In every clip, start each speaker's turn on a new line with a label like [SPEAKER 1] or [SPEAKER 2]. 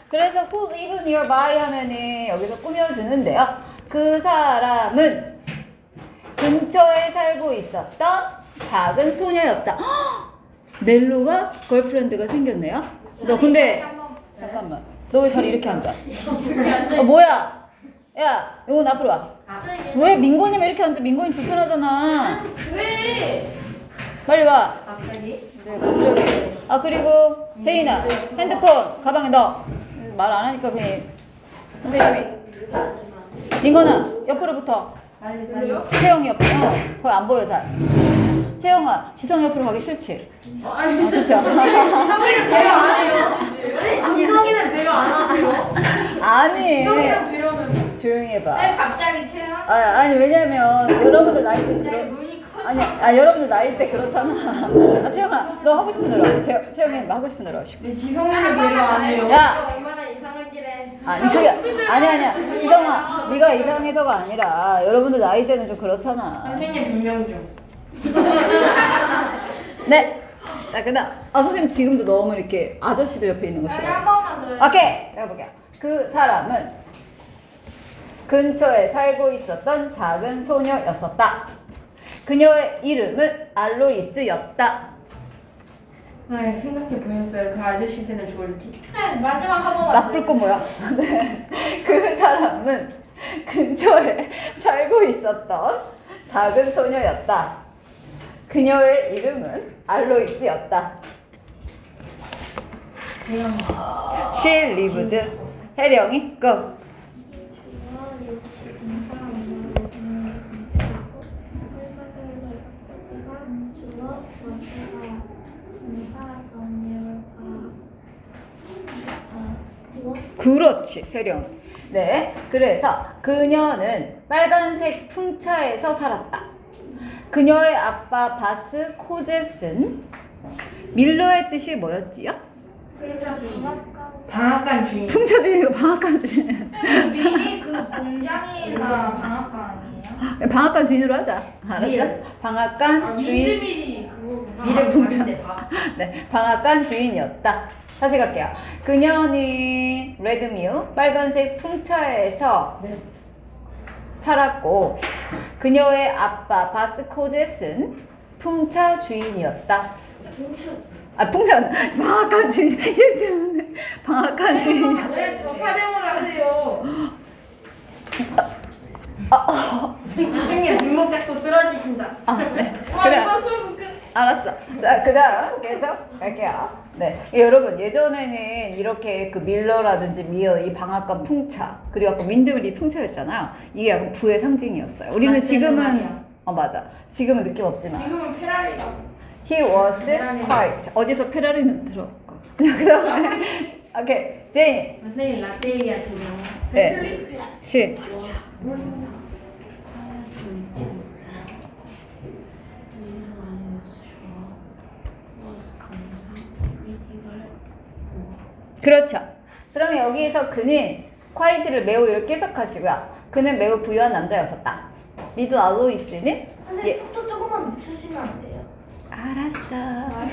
[SPEAKER 1] 그래서 who live nearby 하면은 여기서 꾸며주는데요. 그 사람은 근처에 살고 있었던 작은 소녀였다. 헉! 넬로가 걸프렌드가 생겼네요. 너 근데 잠깐만. 너 왜 자리 이렇게 앉아? 뭐야? 야, 요건 앞으로 와. 왜 민고님 이렇게 앉아? 민고님 불편하잖아.
[SPEAKER 2] 왜?
[SPEAKER 1] 빨리 와.
[SPEAKER 2] 갑자기?
[SPEAKER 1] 네, 갑자기. 아 그리고 제인아 핸드폰 가방에 넣어. 말 안 하니까 그냥 선생님이. 민건아 옆으로 붙어.
[SPEAKER 2] 빨리요?
[SPEAKER 1] 태영이 옆으로. 거의 안 보여 잘. 채영아 지성 옆으로 가기 싫지?
[SPEAKER 2] 아니,
[SPEAKER 1] 그쵸?
[SPEAKER 2] 지성이는 배려 안 해요. 지성이는 배려 안 하세요.
[SPEAKER 1] 아니
[SPEAKER 2] 지성이랑 배려는.
[SPEAKER 1] 조용히 해봐.
[SPEAKER 3] 갑자기 채영?
[SPEAKER 1] 아니 왜냐면 여러분들 나이 때 그런
[SPEAKER 3] 눈이 커.
[SPEAKER 1] 아니 여러분들 나이 때 그렇잖아. 아 채영아 너 하고 싶은 대로 와. 채영이 뭐 하고 싶은 대로 하시고.
[SPEAKER 2] 지성이는 배려 안 해요.
[SPEAKER 1] 야
[SPEAKER 3] 얼마나 이상한 길에.
[SPEAKER 1] 아니 그게 아니야 지성아 네가 이상해서가 아니라 여러분들 나이 때는 좀 그렇잖아.
[SPEAKER 2] 선생님 분명 좀.
[SPEAKER 1] 네. 자 그다음 선생님 지금도 너무 이렇게 아저씨도 옆에 있는 거
[SPEAKER 3] 한
[SPEAKER 1] 싫어요.
[SPEAKER 3] 번만 더.
[SPEAKER 1] 오케이 내가 볼게요. 그 사람은 근처에 살고 있었던 작은 소녀였었다. 그녀의 이름은 알로이스였다.
[SPEAKER 2] 네, 생각해 보셨어요? 그 아저씨들은 좋을지.
[SPEAKER 3] 네, 마지막 한 번만.
[SPEAKER 1] 나쁠 거 뭐야? 네. 그 사람은 근처에 살고 있었던 작은 소녀였다. 그녀의 이름은 알로이스였다. She lived. 혜령이 go. 그렇지, 혜령. 네, 그래서 그녀는 빨간색 풍차에서 살았다. 그녀의 아빠 바스 코젯은 밀러의 뜻이 뭐였지요?
[SPEAKER 2] 방앗간 주인.
[SPEAKER 1] 풍차 주인이고 방앗간 주인.
[SPEAKER 3] 미리 그 공장이나 방앗간 아니에요?
[SPEAKER 1] 방앗간 주인으로 하자. 알았죠?
[SPEAKER 2] 미를.
[SPEAKER 1] 방앗간 주인.
[SPEAKER 3] 민드밀이 그거구나.
[SPEAKER 2] 미를
[SPEAKER 1] 풍차.
[SPEAKER 2] 봤는데 봐.
[SPEAKER 1] 네, 방앗간 주인이었다. 다시 갈게요. 그녀는 레드밀 빨간색 풍차에서
[SPEAKER 2] 네.
[SPEAKER 1] 살았고 그녀의 아빠 바스 코젯은 풍차 주인이었다. 풍차 방앗간 주인 얘 때문에 방앗간 주인이야.
[SPEAKER 3] 왜저 타령을 하세요?
[SPEAKER 2] 선생님 뒷목 잡고 쓰러지신다.
[SPEAKER 1] 네.
[SPEAKER 3] 와
[SPEAKER 1] 그래.
[SPEAKER 3] 이번 수업 끝.
[SPEAKER 1] 알았어. 자, 그다음 계속 갈게요. 네, 여러분 예전에는 이렇게 그 밀러라든지 미어 이 방앗간 풍차 그리고 아까 윈드밀이 풍차였잖아요. 이게 약간 부의 상징이었어요. 우리는
[SPEAKER 2] 맞는
[SPEAKER 1] 지금은
[SPEAKER 2] 말이야.
[SPEAKER 1] 맞아. 지금은 느낌 없지만
[SPEAKER 3] 지금은 페라리가.
[SPEAKER 1] he was quiet. 어디서 페라리는 들었고. 그다음에 오케이 제인
[SPEAKER 2] 선생님 라떼리아 두 명.
[SPEAKER 1] 네, 시 그렇죠. 그러면 여기서 그는 quiet를 매우 이렇게 해석하시고요. 그는 매우 부유한 남자였었다. 미드 알로이스는
[SPEAKER 3] 선생님 또 조금만 늦추시면 안 돼요?
[SPEAKER 1] 알았어.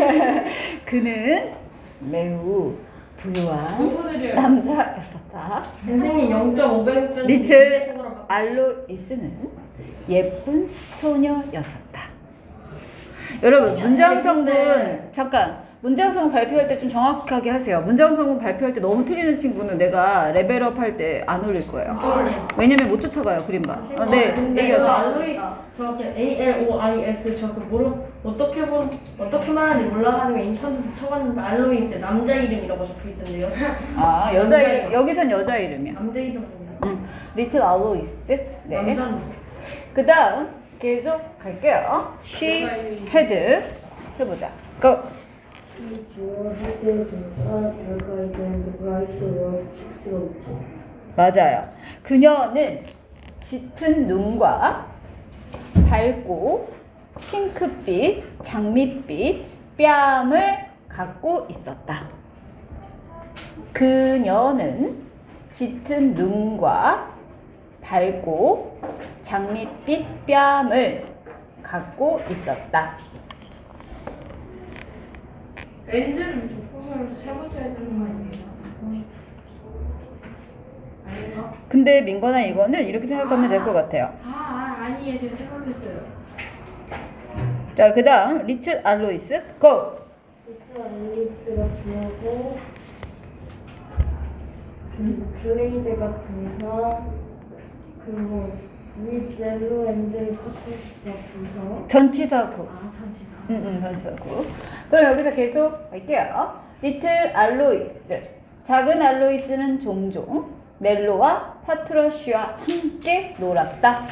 [SPEAKER 1] 그는 매우 부유한
[SPEAKER 3] 오늘이요.
[SPEAKER 1] 남자였었다.
[SPEAKER 2] 선생님 0.500점.
[SPEAKER 1] 리틀 알로이스는 예쁜 소녀였었다. 여러분 문장성분 잠깐 문장성분 발표할 때 좀 정확하게 하세요. 문장성분 발표할 때 너무 틀리는 친구는 내가 레벨업 할 때 안 올릴 거예요. 왜냐면 못 쫓아가요 그림봐. 네
[SPEAKER 2] 근데
[SPEAKER 1] 얘기하세요.
[SPEAKER 2] 알로이 저렇게 ALOIS 저렇게 어떻게 말하는지 몰라가지고 인터넷에 쳐봤는데 알로이스 남자 이름이라고 적혀있던데요.
[SPEAKER 1] 아 여자 이름 여기선 여자 이름이야.
[SPEAKER 2] 남자 이름 아니야?
[SPEAKER 1] 리틀 알로이스. 네.
[SPEAKER 2] 남자는
[SPEAKER 1] 그 다음 계속 갈게요. She had 해보자. Go. 맞아요. 그녀는 짙은 눈과 밝고 핑크빛, 장밋빛 뺨을 갖고 있었다. 그녀는 짙은 눈과 밝고 장밋빛 뺨을 갖고 있었다.
[SPEAKER 3] 랜드는 조건을 세 번째 해야 되는 거 아니에요?
[SPEAKER 1] 근데 민건아 이거는 이렇게 생각하면 될 것 같아요.
[SPEAKER 3] 아니에요. 제가 생각했어요.
[SPEAKER 1] 자, 그 다음 리틀 알로이스 고!
[SPEAKER 2] 리틀 알로이스가 주어고 블레이드가 동사 그리고 릴로 앤드 파트너가 부사
[SPEAKER 1] 전치사구.
[SPEAKER 2] 전치사
[SPEAKER 1] 전치사구. 그럼 여기서 계속 할게요. 리틀 알로이스. 작은 알로이스는 종종 넬로와 파트러쉬와 함께 놀았다.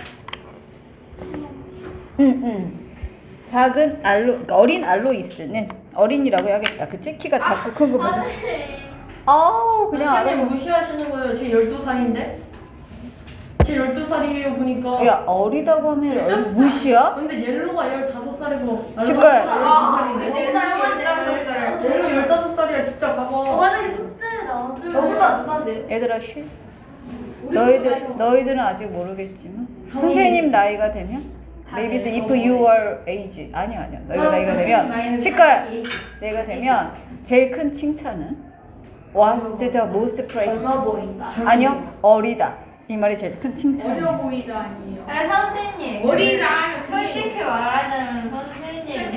[SPEAKER 1] 작은 그러니까 어린 알로이스는 어린이라고 해야겠다. 그치? 키가 작고 큰 거 보자. 아우 그냥
[SPEAKER 2] 선생님
[SPEAKER 1] 알아.
[SPEAKER 2] 무시하시는 거예요. 제 12살인데? 제 12살이에요 보니까
[SPEAKER 1] 야 어리다고 하면 무시야?
[SPEAKER 2] 근데 옐로가 15살이고
[SPEAKER 1] 시끌.
[SPEAKER 2] 옐로 15살이야 진짜 봐봐
[SPEAKER 3] 만약에 숙제다. 저보다 누가인데?
[SPEAKER 1] 얘들아 쉬. 너희들은 아직 모르겠지만 선생님 나이가 되면 maybe if you are age 아니야 너희가 나이가 되면 시끌 내가 되면 제일 큰 칭찬은 what's the most praise
[SPEAKER 3] 젊어 보인다.
[SPEAKER 1] 아니요 어리다 이 말이 제일 큰
[SPEAKER 3] 어려
[SPEAKER 1] 칭찬이에요.
[SPEAKER 3] 보이다 아니에요.
[SPEAKER 4] 선생님.
[SPEAKER 3] 어리다.
[SPEAKER 4] 솔직히 말하자면 선생님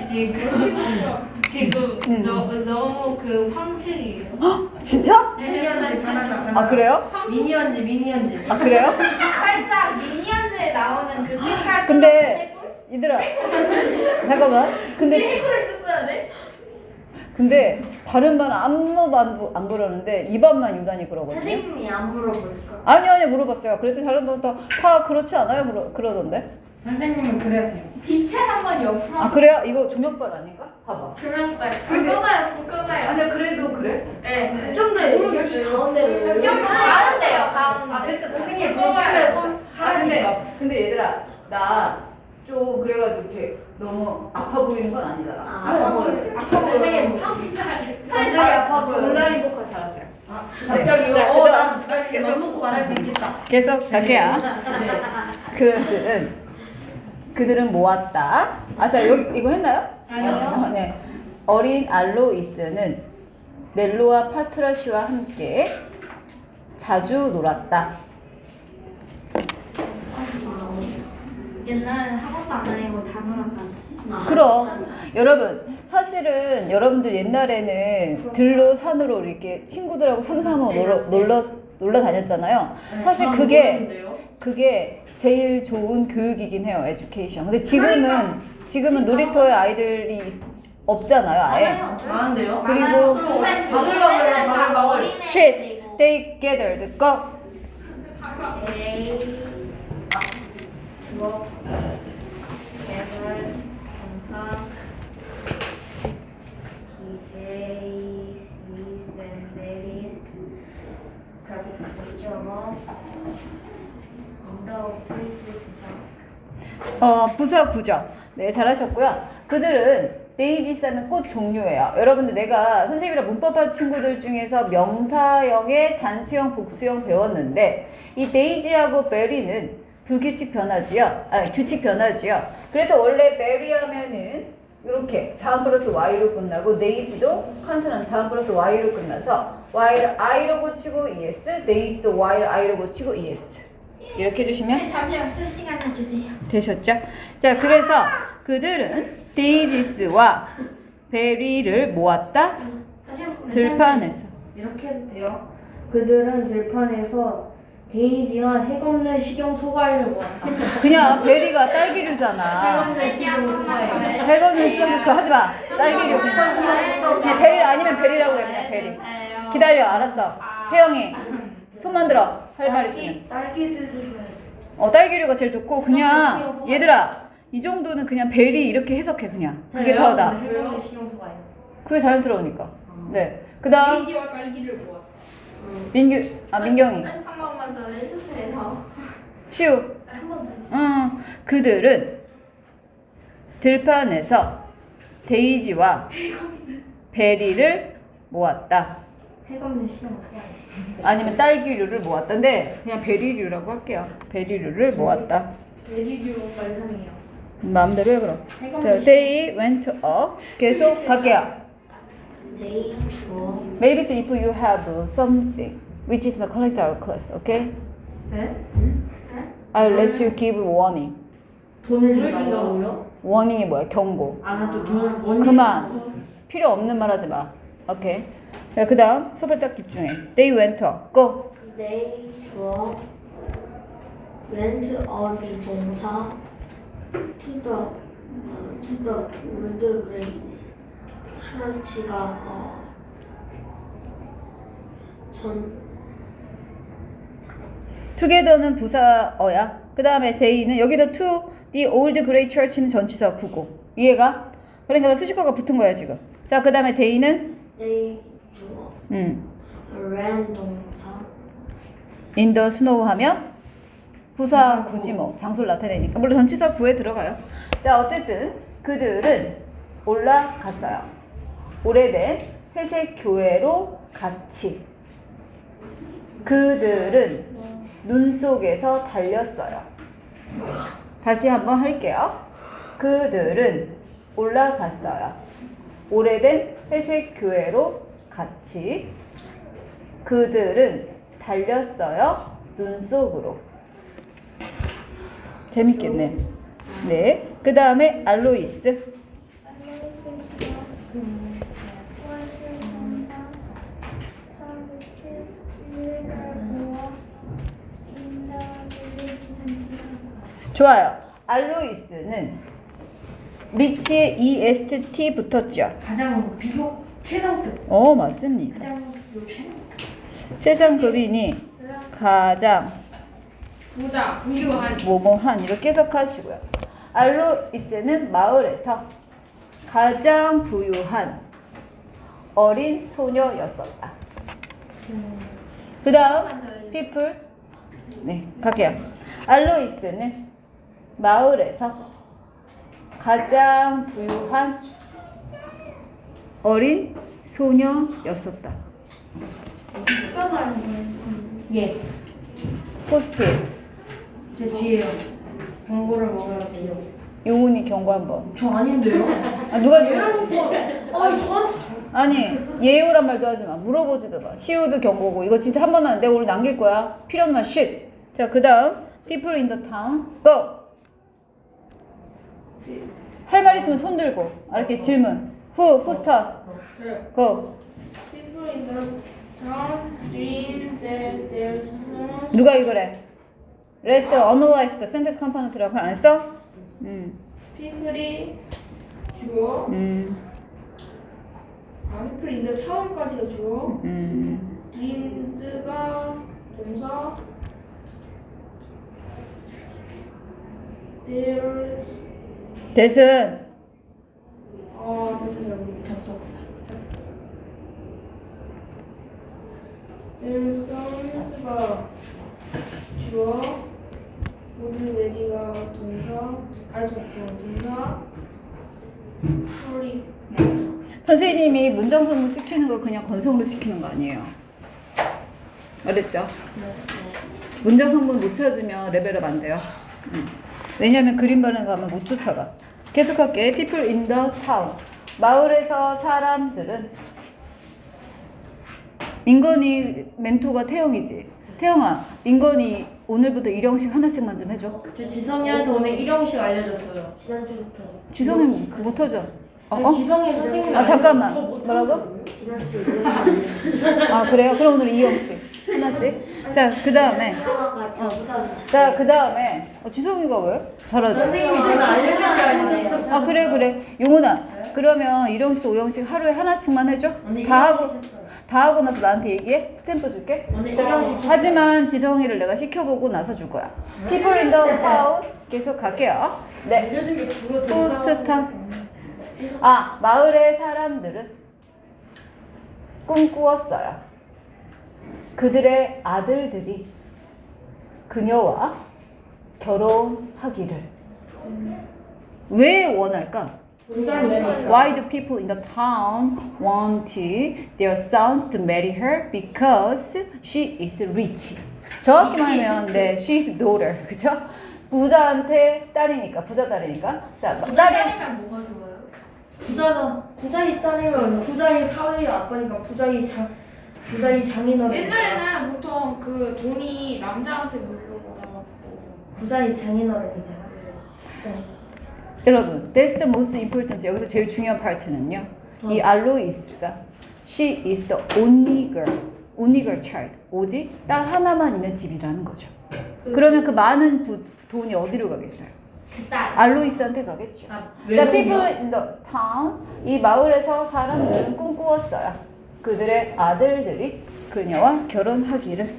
[SPEAKER 4] 지금 너무 그 황실이에요.
[SPEAKER 1] 진짜?
[SPEAKER 2] 미니언즈 바나나
[SPEAKER 1] 아 그래요?
[SPEAKER 2] 미니언즈
[SPEAKER 1] 아 그래요?
[SPEAKER 4] 살짝 미니언즈에 나오는 그 색깔.
[SPEAKER 1] 근데 얘들아 잠깐만
[SPEAKER 3] 를 썼어야 돼?
[SPEAKER 1] 근데 다른 반은 아무 반도 안 그러는데 이 반만 유난히 그러거든요.
[SPEAKER 4] 선생님이 안 물어볼까?
[SPEAKER 1] 아니요 물어봤어요. 그래서 다른 반도 다 그렇지 않아요? 그러던데.
[SPEAKER 2] 선생님은 그래세요
[SPEAKER 3] 빛에 한번 옆으로.
[SPEAKER 1] 아 그래요? 이거 조명빨 아닌가? 봐봐.
[SPEAKER 3] 그럴 거예요. 불 꺼봐요.
[SPEAKER 1] 아니야 그래도 그래?
[SPEAKER 3] 네.
[SPEAKER 4] 좀 더 여기 가운데로.
[SPEAKER 3] 좀 가운데요.
[SPEAKER 4] 가운데.
[SPEAKER 3] 아 됐어.
[SPEAKER 2] 선생님
[SPEAKER 3] 불 꺼봐요.
[SPEAKER 2] 손 하라니까
[SPEAKER 1] 근데 얘들아 나 좀 그래가지고 이렇게 너무 아파 보이는 건 아니잖아.
[SPEAKER 4] 아파 보여요.
[SPEAKER 3] 아파 보여요.
[SPEAKER 4] 선생님 아파 보여요.
[SPEAKER 1] 온라인 복화 잘하세요.
[SPEAKER 2] 갑자기
[SPEAKER 1] 자,
[SPEAKER 2] 난
[SPEAKER 1] 계속.
[SPEAKER 2] 맘 놓고 말할 수 있겠다
[SPEAKER 1] 계속 갈게요. 그들은 모았다. 자 여기 이거 했나요?
[SPEAKER 3] 아니요.
[SPEAKER 1] 네. 어린 알로이스는 넬로와 파트라쉬와 함께 자주 놀았다.
[SPEAKER 4] 옛날에는 학원도 안 다니고 다 놀았다.
[SPEAKER 1] 그럼 여러분 사실은 여러분들 옛날에는 들로 산으로 이렇게 친구들하고 삼삼오오 놀러 다녔잖아요. 사실 그게 제일 좋은 교육이긴 해요. 에듀케이션. 근데 지금은 놀이터에 아이들이 없잖아요. 아예.
[SPEAKER 2] 많은데요?
[SPEAKER 1] 그리고
[SPEAKER 2] 바글바글.
[SPEAKER 1] shit they gathered go.
[SPEAKER 2] 주어 개발 동사
[SPEAKER 1] 부사 구죠. 네, 잘하셨고요. 그들은 데이지스는 꽃 종류예요. 여러분들 내가 선생님이랑 문법반 친구들 중에서 명사형의 단수형, 복수형 배웠는데 이 데이지하고 베리는 불규칙 변화지요. 규칙 변화지요. 그래서 원래 베리 하면은 이렇게 자음 플러스 y로 끝나고 데이지도 컨소넌트 자음 플러스 y로 끝나서 y를 i로 고치고 es, 데이지도 y를 i로 고치고 es. 이렇게 해주시면
[SPEAKER 3] 잠시만 쓸 시간을 주세요.
[SPEAKER 1] 되셨죠? 자, 그래서 그들은 데이지스와 베리를 모았다. 들판에서.
[SPEAKER 2] 이렇게 해도 돼요. 그들은 들판에서 데이지와 핵없는 식용 소과일을 모았다.
[SPEAKER 1] 그냥 베리가 딸기류잖아.
[SPEAKER 2] 핵없는 식용 소과일.
[SPEAKER 1] 백원은 시간 그거 하지 마. 딸기류. 그냥 베리 아니면 베리라고 해. 그냥 베리. 기다려. 알았어. 혜영이 손만 들어. 할 말 있으면.
[SPEAKER 2] 딸기들은
[SPEAKER 1] 딸기류가 제일 좋고 그냥 얘들아 이 정도는 그냥 베리 이렇게 해석해 그냥. 그게 더 나.
[SPEAKER 2] 핵없는 식용 소과일.
[SPEAKER 1] 그게 자연스러우니까. 네. 그다음
[SPEAKER 3] 데이지와 딸기를 모아.
[SPEAKER 1] 민경이.
[SPEAKER 4] 한 번만 더 해주세요.
[SPEAKER 1] 시우. 그들은 들판에서 데이지와 베리를 모았다.
[SPEAKER 2] 핵없는 식용 소과일.
[SPEAKER 1] 아니면 딸기류를 모았다인데 그냥 베리류라고 할게요. 베리류를 모았다.
[SPEAKER 3] 베리류 뭔가 이상해요.
[SPEAKER 1] 마음대로 해 그럼. 자, they went up. 계속 갈게요.
[SPEAKER 4] They 주어.
[SPEAKER 1] Maybe if you have something which is the collector class, okay?
[SPEAKER 2] 네?
[SPEAKER 1] I'll let you give warning.
[SPEAKER 2] 돈을 준다고요?
[SPEAKER 1] warning이 뭐야? 경고.
[SPEAKER 2] 아또 돈을 원인
[SPEAKER 1] 그만. 필요 없는 말 하지 마. 오케이. 자, 그 다음 수업에 딱 집중해. They went up. Go.
[SPEAKER 4] They 주어 went up이 동사 to the old great church가
[SPEAKER 1] together는 부사어야. 그 다음에 they는 여기서 to the old great church는 전치사 구고. 이해가? 그러니까 수식어가 붙은 거야 지금. 자, 그 다음에 they는
[SPEAKER 4] they 주어 ran 동사
[SPEAKER 1] in the snow 하면 부사 구지 뭐 장소를 나타내니까 물론 전치사 구에 들어가요. 자, 어쨌든 그들은 올라갔어요. 오래된 회색 교회로 같이. 그들은 눈 속에서 달렸어요. 다시 한번 할게요. 그들은 올라갔어요. 오래된 회색 교회로 같이. 그들은 달렸어요. 눈 속으로. 재밌겠네. 네. 그 다음에 알로이스. 좋아요. 알로이스는 리치에 EST 붙었죠.
[SPEAKER 2] 가장 비교 최상급
[SPEAKER 1] 맞습니다.
[SPEAKER 2] 가장 비교 최상급
[SPEAKER 1] 최상급이니 가장
[SPEAKER 3] 부자, 부유한.
[SPEAKER 1] 뭐뭐한 이렇게 해석하시고요. 알로이스는 마을에서 가장 부유한 어린 소녀였었다. 그 다음 people. 네, 갈게요. 알로이스는 마을에서 가장 부유한 어린 소녀였었다.
[SPEAKER 3] 누가 말하는 거예요?
[SPEAKER 2] 예,
[SPEAKER 1] 포스트잇.
[SPEAKER 2] 제 뒤에요. 경고를 먹어야 돼요.
[SPEAKER 1] 용훈이 경고 한번.
[SPEAKER 2] 저 아닌데요?
[SPEAKER 1] 아, 누가 지금?
[SPEAKER 2] 저한테
[SPEAKER 1] 아니, 예우란 말도 하지 마. 물어보지도 마. 시우도 경고고. 이거 진짜 한 번 하는데 오늘 남길 거야. 필요 없는 말 쉿. 자, 그 다음 people in the town. go. 할 말 있으면 손 들고. 알았게 질문. who start? go.
[SPEAKER 3] People in the town dream that their sons
[SPEAKER 1] 누가 이거래? Let's analyze the sentence component라고 안 했어?
[SPEAKER 3] people이 주어 people in the town까지가 주어 dreams가 동사 their
[SPEAKER 1] 대신
[SPEAKER 3] their sons가 주어 would ready가 동사 동사 sorry
[SPEAKER 1] 선생님이 문장성문 시키는 거 그냥 건성으로 시키는 거 아니에요. 알았죠? 문장성문 못 찾으면 레벨업 안 돼요. 왜냐면 그림 바른 거 하면 못 쫓아가. 계속할게. People in the town. 마을에서 사람들은 민건이 멘토가 태영이지. 태영아, 민건이 오늘부터 일형식 하나씩만 좀 해줘.
[SPEAKER 2] 저 지성이한테 오늘 일형식 알려줬어요.
[SPEAKER 4] 지난주부터
[SPEAKER 1] 지성이 못하죠?
[SPEAKER 2] 지성이 선생님
[SPEAKER 1] 아, 잠깐만. 뭐라고?
[SPEAKER 4] 지난주에
[SPEAKER 1] 아, 그래요? 그럼 오늘 이형식 하나씩. 자, 그 다음에. 자, 그 다음에. 지성이가 왜? 잘하죠?
[SPEAKER 2] 선생님이 제가 알려주셔야
[SPEAKER 1] 아, 그래. 용훈아. 그러면 일형식, 오형식 하루에 하나씩만 해줘. 다 하고 나서 나한테 얘기해. 스탬프 줄게.
[SPEAKER 2] 오늘 일형식
[SPEAKER 1] 하지만 지성이를 내가 시켜보고 나서 줄 거야. People in the town. 계속 갈게요. 네.
[SPEAKER 2] 알려준 게 주로
[SPEAKER 1] 포스타. 아, 마을의 사람들은 꿈꾸었어요. 그들의 아들들이 그녀와 결혼하기를. 왜 원할까? Why do people in the town want their sons to marry her? Because she is rich. 정확히 말하면 네, she is daughter. 그죠? 부자한테 딸이니까, 부자 딸이니까. 자, 딸이
[SPEAKER 3] 딸이면 뭐가 좋아요?
[SPEAKER 2] 부자의 딸이면 부자의 사회의 아빠니까 부자의 부자의 장인어른.
[SPEAKER 3] 옛날에는 보통 그 돈이 남자한테 물려받아갖고
[SPEAKER 2] 부자의 장인어른이잖아. 네.
[SPEAKER 1] 여러분, that's the most important. 여기서 제일 중요한 파트는요. 이 알로이스가 she is the only girl child. 오직 딸 하나만 있는 집이라는 거죠. 그러면 그 많은 돈이 어디로 가겠어요?
[SPEAKER 3] 그딸
[SPEAKER 1] 알로이스한테 가겠죠.
[SPEAKER 2] 아,
[SPEAKER 1] 자, people in the town. 이 마을에서 사람들은 꿈꾸었어요. 그들의 아들들이 그녀와 결혼하기를.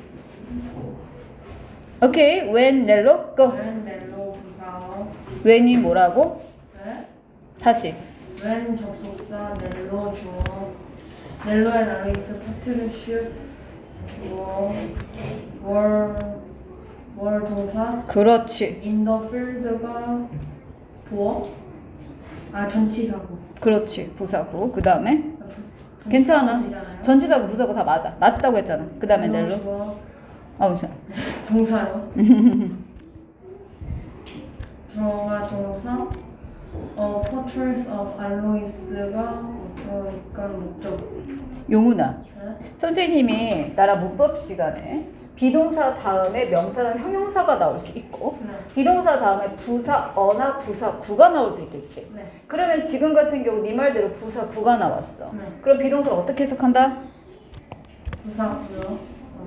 [SPEAKER 1] 오케이, when 넬로 go.
[SPEAKER 2] 웬 멜로 부사.
[SPEAKER 1] when이 뭐라고?
[SPEAKER 2] 네.
[SPEAKER 1] 다시.
[SPEAKER 2] 웬 접속사 멜로 주어. 멜로의 알로이스 파트너십 주어. 월 동사.
[SPEAKER 1] 그렇지.
[SPEAKER 2] in the field가 보어. 아 전치사고.
[SPEAKER 1] 그렇지. 부사고. 그 다음에 괜찮아. 전치사고 부사고 다 맞아. 맞다고 했잖아. 그 다음에 넬로.
[SPEAKER 2] 주어.
[SPEAKER 1] 자.
[SPEAKER 2] 동사요. 주어가 동사. portraits of Alois가 그러니까 목적.
[SPEAKER 1] 용훈아.
[SPEAKER 2] 네?
[SPEAKER 1] 선생님이 나랑 문법 시간에 비동사 다음에 명사랑 형용사가 나올 수 있고
[SPEAKER 2] 네.
[SPEAKER 1] 비동사 다음에 부사 어나 부사 구가 나올 수 있겠지.
[SPEAKER 2] 네.
[SPEAKER 1] 그러면 지금 같은 경우 네 말대로 부사 구가 나왔어.
[SPEAKER 2] 네.
[SPEAKER 1] 그럼 비동사를 어떻게 해석한다?
[SPEAKER 2] 부사고요.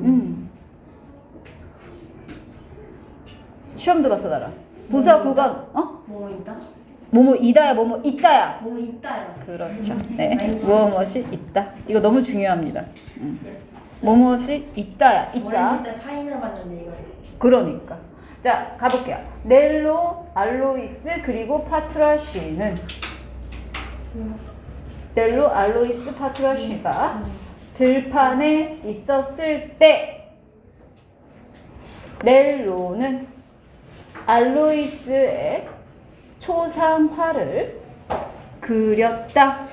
[SPEAKER 1] 시험도 봤어 나랑. 부사 구가
[SPEAKER 2] 뭐 있다?
[SPEAKER 1] 뭐뭐 이다야 뭐뭐 있다야.
[SPEAKER 2] 뭐 있다요.
[SPEAKER 1] 그렇죠. 네. 무엇이 있다. 이거 너무 중요합니다. 무엇이 있다야. 있다.
[SPEAKER 2] 어렸을 때 파인을 봤는데 이거.
[SPEAKER 1] 그러니까. 자, 가볼게요. 넬로, 알로이스, 그리고 파트라쉬는 넬로, 알로이스, 파트라쉬가 들판에 있었을 때 넬로는 알로이스의 초상화를 그렸다.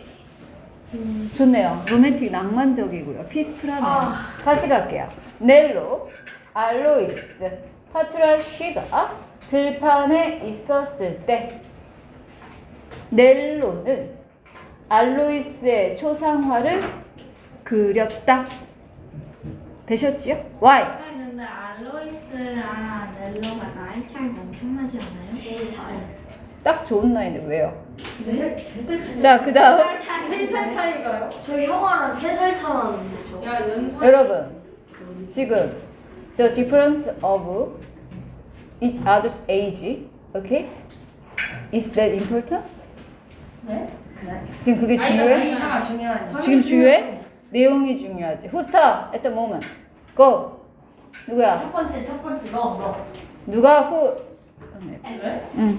[SPEAKER 1] 좋네요. 로맨틱 낭만적이고요. 피스풀하네요. 다시 갈게요. 넬로, 알로이스, 파트라쉬가 들판에 있었을 때 넬로는 알로이스의 초상화를 그렸다. 되셨지요? Why?
[SPEAKER 3] 근데 알로이스랑 넬로가 나이 차이가 엄청나지 않아요?
[SPEAKER 4] 3살.
[SPEAKER 1] 딱 좋은 나이인데 왜요?
[SPEAKER 2] 네?
[SPEAKER 1] 자, 그 다음.
[SPEAKER 2] 3살 차이가요?
[SPEAKER 4] 저희 형아랑 3살 차 나는데 저.
[SPEAKER 3] 야 연상
[SPEAKER 1] 여러분, 지금 the difference of each other's age, okay? Is that important?
[SPEAKER 2] 네? 네.
[SPEAKER 1] 지금 그게
[SPEAKER 3] 아니,
[SPEAKER 1] 중요해?
[SPEAKER 2] 차이가 중요하니.
[SPEAKER 1] 지금 중요해? 내용이 중요하지. Who start at the moment? Go. 누구야?
[SPEAKER 2] 첫 번째 너.
[SPEAKER 1] 누가 who?
[SPEAKER 2] 왜?
[SPEAKER 1] 응.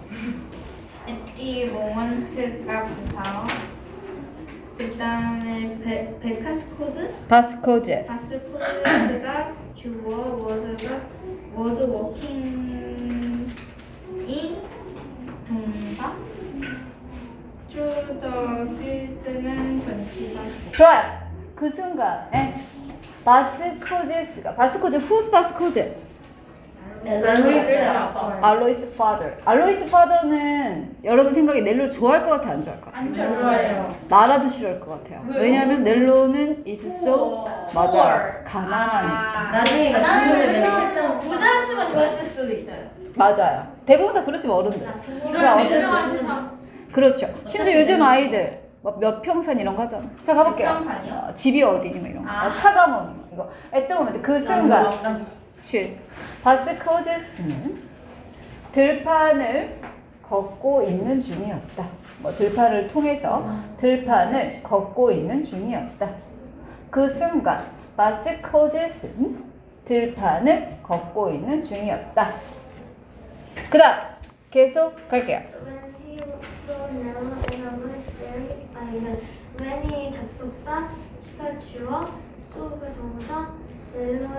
[SPEAKER 3] 에티 모먼트가 부사 그 다음에 베카스코즈?
[SPEAKER 1] 바스코제스.
[SPEAKER 3] 바스코즈가 주어 was working 이 동사 through the field는 전치사
[SPEAKER 1] 좋아요. 그 순간에 바스코제스가 who's 바스코제?
[SPEAKER 2] 알로이스 아빠.
[SPEAKER 1] 알로이스 father. 알로이스 father는 여러분 생각에 넬로를 좋아할 것 같아, 안 좋아할 것 같아?
[SPEAKER 2] 안 좋아해요.
[SPEAKER 1] 나라도 싫어할 것 같아요. 왜냐하면 넬로는 is so 맞아요. 가난하니까.
[SPEAKER 2] 나중에 이거 질문을 내가
[SPEAKER 3] 부자였으면 좋았을 수도 있어요.
[SPEAKER 1] 맞아요. 대부분 다 그렇지만 어른들. 그러니까
[SPEAKER 3] 이런
[SPEAKER 1] 어쨌든
[SPEAKER 3] 유명한 세상
[SPEAKER 1] 그렇죠. 심지어 요즘 아이들 몇 평산 이런 거 하잖아. 자 가볼게요.
[SPEAKER 3] 몇 평산이요?
[SPEAKER 1] 집이 어디니 뭐 이런 거.
[SPEAKER 3] 아.
[SPEAKER 1] 차가 뭐니 뭐 이거. at the moment 그 순간. 쉿. 바스코제스는 들판을 걷고 있는 중이었다. 뭐 들판을 통해서 들판을 걷고 있는 중이었다. 그 순간 바스코제스는 들판을 걷고 있는 중이었다. 그다음 계속 갈게요.
[SPEAKER 4] When he saw Nella in a monastery, when이 접속사, he가 주어, so가 동사, 넬로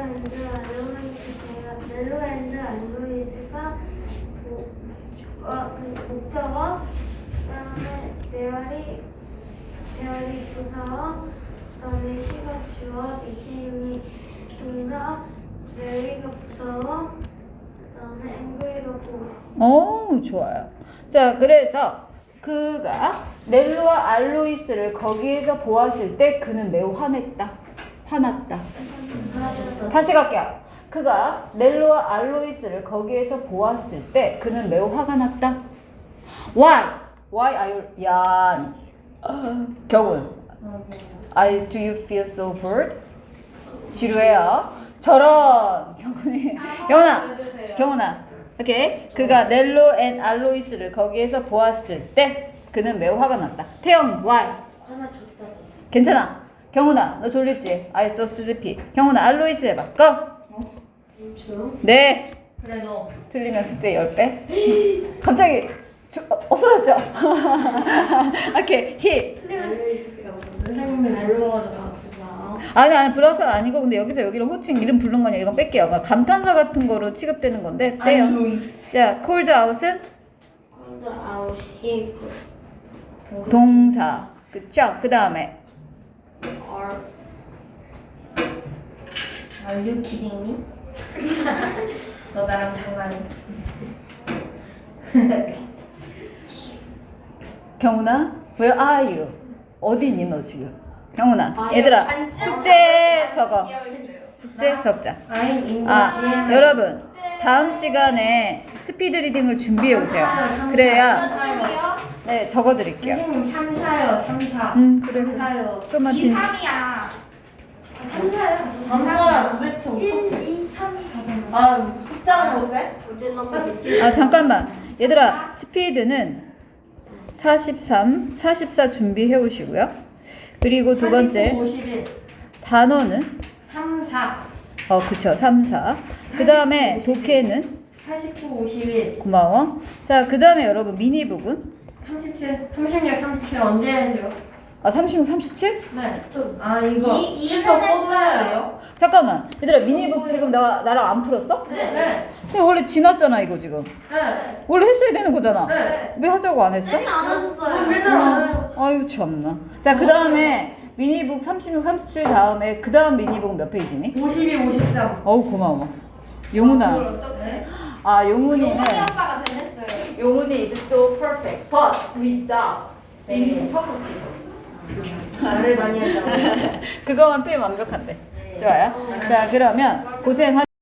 [SPEAKER 4] 앤드 알로이즈가 목적어, 그다음에 there이 부사어, 그다음에 he가 주어, became이 동사, mary가 부사어, 그다음에 angry가 보어.
[SPEAKER 1] 오, 좋아요. 자, 그래서 그가 넬로와 알로이스를 거기에서 보았을 때 그는 매우 화냈다. 화났다. 다시 갈게요. 그가 넬로와 알로이스를 거기에서 보았을 때 그는 매우 화가 났다. Why? Why are you... 야, 경훈. Do you feel so bored? 지루해요. 저런. 경훈아. 오케이. 그가 넬로 앤 알로이스를 거기에서 보았을 때 그는 매우 화가 났다. 태영, why?
[SPEAKER 2] 하나 줬다.
[SPEAKER 1] 괜찮아. 경훈아, 너 졸렸지? I so sleepy. 경훈아, 알로이스 해봐. Go.
[SPEAKER 2] 저요?
[SPEAKER 1] 네.
[SPEAKER 2] 그래 너.
[SPEAKER 1] 틀리면 숙제 10배. 갑자기 없어졌죠? 오케이. 히.
[SPEAKER 2] 선생님이 알로하다가
[SPEAKER 1] 아니 브라우스 아니고 근데 여기서 여기를 호칭 이름 부른 거냐 이건 뺄게요. 막 감탄사 같은 거로 취급되는 건데 빼요. 자, cold out은
[SPEAKER 4] 콘드 아웃이
[SPEAKER 1] 동사. 그쵸? 그 다음에
[SPEAKER 2] Are you kidding me? 너 나랑 장난해?
[SPEAKER 1] 경훈아, where are you? 어디 있니 너 지금? 경훈아, 얘들아 숙제 적어. 숙제 적자.
[SPEAKER 2] I'm in the
[SPEAKER 1] 여러분 다음 시간에 스피드 리딩을 준비해 오세요. 그래야 네 적어드릴게요.
[SPEAKER 2] 선생님 3, 4요 3, 4
[SPEAKER 1] 그래.
[SPEAKER 2] 3, 4요
[SPEAKER 1] 좀만
[SPEAKER 3] 2,
[SPEAKER 1] 진.
[SPEAKER 3] 3이야.
[SPEAKER 2] 3, 4요 3, 4야 도대체 1, 2, 3, 4 아 숫자는 못 세?
[SPEAKER 4] 어제 너무 늦게
[SPEAKER 1] 아 잠깐만 얘들아 스피드는 43, 44 준비해 오시고요. 그리고 두 번째
[SPEAKER 2] 51
[SPEAKER 1] 단어는
[SPEAKER 2] 3, 4
[SPEAKER 1] 그쵸 3, 4. 그 다음에 독해는
[SPEAKER 2] 49, 51
[SPEAKER 1] 고마워. 자 그 다음에 여러분 미니북은
[SPEAKER 2] 37, 36, 37 언제 해야죠?
[SPEAKER 1] 36, 37?
[SPEAKER 2] 네. 아 이거
[SPEAKER 3] 이는
[SPEAKER 2] 거
[SPEAKER 3] 했어요.
[SPEAKER 2] 뽑아요?
[SPEAKER 1] 잠깐만 얘들아 미니북 지금 나랑 안 풀었어?
[SPEAKER 2] 네.
[SPEAKER 1] 근데 원래 지났잖아 이거 지금.
[SPEAKER 2] 네.
[SPEAKER 1] 원래 했어야 되는 거잖아.
[SPEAKER 2] 네.
[SPEAKER 1] 왜 하자고 안 했어?
[SPEAKER 4] 안 하셨어요.
[SPEAKER 2] 맨날 안 해요.
[SPEAKER 1] 아유 참나. 자 그 다음에 미니북 36, 37 다음에 그 다음 미니북은 몇 페이지니?
[SPEAKER 2] 52, 53
[SPEAKER 1] 어우 고마워. 용훈아.
[SPEAKER 3] 어떡해?
[SPEAKER 1] 용훈이는
[SPEAKER 3] 용훈이 오빠가 변했어요.
[SPEAKER 1] 용훈이 is so perfect but without 네,
[SPEAKER 2] 말을 많이 한다고
[SPEAKER 1] 그거만 빼면 완벽한데. 좋아요. 자 그러면 고생하